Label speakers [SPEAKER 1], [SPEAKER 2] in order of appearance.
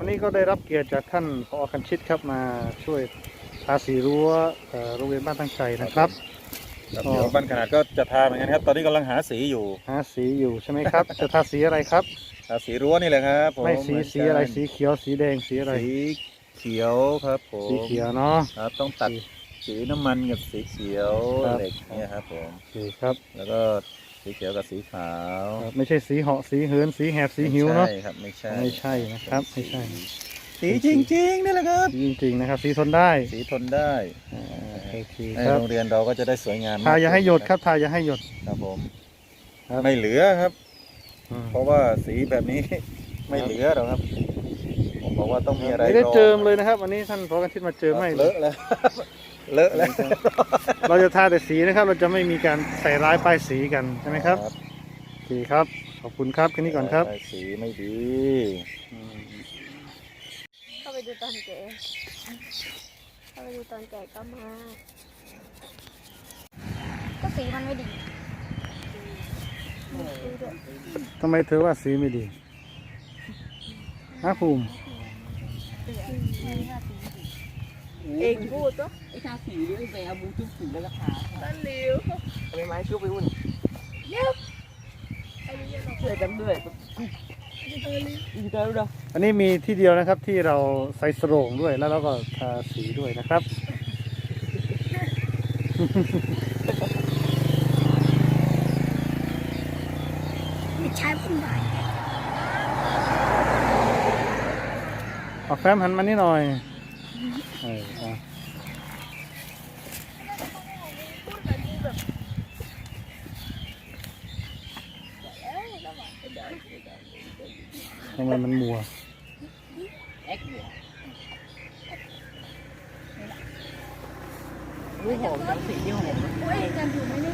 [SPEAKER 1] วันนี้ก็ได้รับเกียรติจากท่านผอ.คันชิตครับมาช่วยทาสีรั้วโรงเรียนบ้านตั้งใจนะครับ
[SPEAKER 2] เดี๋ยวบ้านขนาดก็จะทาเหมือนกันครับตอนนี้กำลังหาสีอยู่
[SPEAKER 1] ใช่ไหมครับ จะทาสีอะไรครับ
[SPEAKER 2] ทาสีรั้วนี่แหละครับผม
[SPEAKER 1] ไม่สีอะไรสีเขียวสีแดงสีอะไร
[SPEAKER 2] สีเขียวครับผม
[SPEAKER 1] สีเขียวเนาะ
[SPEAKER 2] ครับต้องตัดสีน้ำมันกับสีเขียวเหล็กเนี่ยครับผม
[SPEAKER 1] โอเคครับ
[SPEAKER 2] แล้วก็สีเขียวกับสีขาว
[SPEAKER 1] ไม่ใช่สีเหาะสีเหินสีแหบสีหิวเนาะ
[SPEAKER 2] ใช่ครับไม่ใช่
[SPEAKER 1] นะครับไม่ใช่
[SPEAKER 2] สีจริงๆนี่แหละครับ
[SPEAKER 1] จริงๆนะครับสีทนได้
[SPEAKER 2] สีทนได้
[SPEAKER 1] โอเค
[SPEAKER 2] ใน
[SPEAKER 1] ครับ
[SPEAKER 2] โรงเรียนเราก็จะได้สวยงาม
[SPEAKER 1] ทาอย่าให้หยดครับทาอย่าให้หยด
[SPEAKER 2] ครับผมไม่เหลือครับเพราะว่าสีแบบนี้ไม่เหลือหรอกครับผมบอกว่าต้องมีอะไร
[SPEAKER 1] ไม่ได้เจิมเลยนะครับวันนี้ท่านผอ.คันชิตมาเจิมให้
[SPEAKER 2] เลอะแล้วเลอะแล้ว
[SPEAKER 1] เราจะทาแต่สีนะครับเราจะไม่มีการใส่ร้ายป้ายสีกันใช่ไหมครับโอเคครับขอบคุณครับแค่นี้ก่อนครับ
[SPEAKER 2] สีไม่ดี
[SPEAKER 3] เข้าไปดูตอนแก่ก็มาก็สีมันไม่ดี
[SPEAKER 1] ทำไมเธอว่าสีไม่ดีฮะภูมิ
[SPEAKER 3] เองพูดก็
[SPEAKER 4] ไอ้ทาสีหรือไอ้แบบบูชุบสีแล้วก็ทา
[SPEAKER 3] ต้นลิ้ว
[SPEAKER 4] ทำไมไม้ชุบไปวุ่น
[SPEAKER 3] เย็บ
[SPEAKER 4] ช่วยกันด้วยอีกแล้วเนาะ
[SPEAKER 1] อันนี้มีที่เดียวนะครับที่เราใส่สโรงด้วยแล้วเราก็ทาสีด้วยนะครับ
[SPEAKER 3] ไม่ใช่ผมได้
[SPEAKER 1] เอาแฟ้มหันมานี่หน่อยทำไมมันมัว
[SPEAKER 4] หอมจังสีที่หอม
[SPEAKER 3] โอ้ยกันอยู่ไม่ได้